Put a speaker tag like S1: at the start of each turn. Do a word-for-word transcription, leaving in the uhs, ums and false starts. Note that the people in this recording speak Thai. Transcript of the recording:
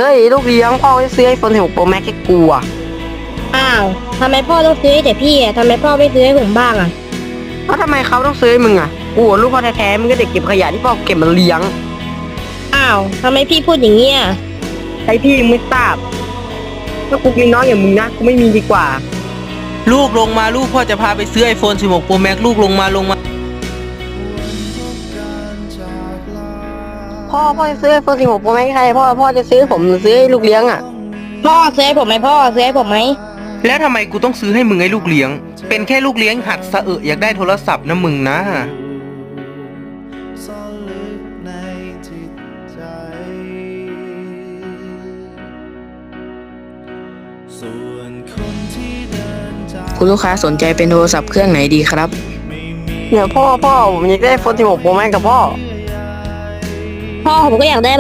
S1: ยลูกเลี้ยงพ่อจะซื้อไอโฟนสิบหก Pro Max ให้กูอะ
S2: อ้าวทำไมพ่อต้องซื้อให้แต่พี่อ่ะทำไมพ่อไม่ซื้อให้ผมบ้างอ่ะ
S1: แล้วทำไมเขาต้องซื้อให้มึงอะกูอะลูกพ่อแท้ๆมึงก็เด็กเก็บขยะที่พ่อเก็บมาเลี้ยง
S2: อ้าวทำไมพี่พูดอย่างเงี้ย
S1: ใครพี่มึงไม่ทราบถ้ากูมีน้องอย่างมึงนะกูไม่มีดีกว่า
S3: ลูกลงมาลูกพ่อจะพาไปซื้อ ไอโฟนสิบหก Pro Max ลูกลงมาลงมา
S1: พ่อพ่อจะซื้อไอโฟนสิบหก Pro Max ให้ใครพ่อพ่อจะซื้อผมหรือซื้อให้ลูกเลี้ยงอะ
S2: พ่อซื้อให้ผมไหมพ่อซื้อให้ผมไหม
S3: แล้วทำไมกูต้องซื้อให้มึงไอ้ลูกเลี้ยง เป็นแค่ลูกเลี้ยงหัดสะเอะอยากได้โทรศัพท์นะมึงนะ
S4: ซ่อนลึกในจิตใจส่วนคนที่เดินจาก
S5: คุณลูกค้าสนใจเป็นโทรศัพท์เครื่องไหนดีครับ
S1: เนี่ยพ่อพ่อผมอยากได้ไอโฟนสิบหก Pro Max กับพ่อ
S2: พ่อผมก็อยากได้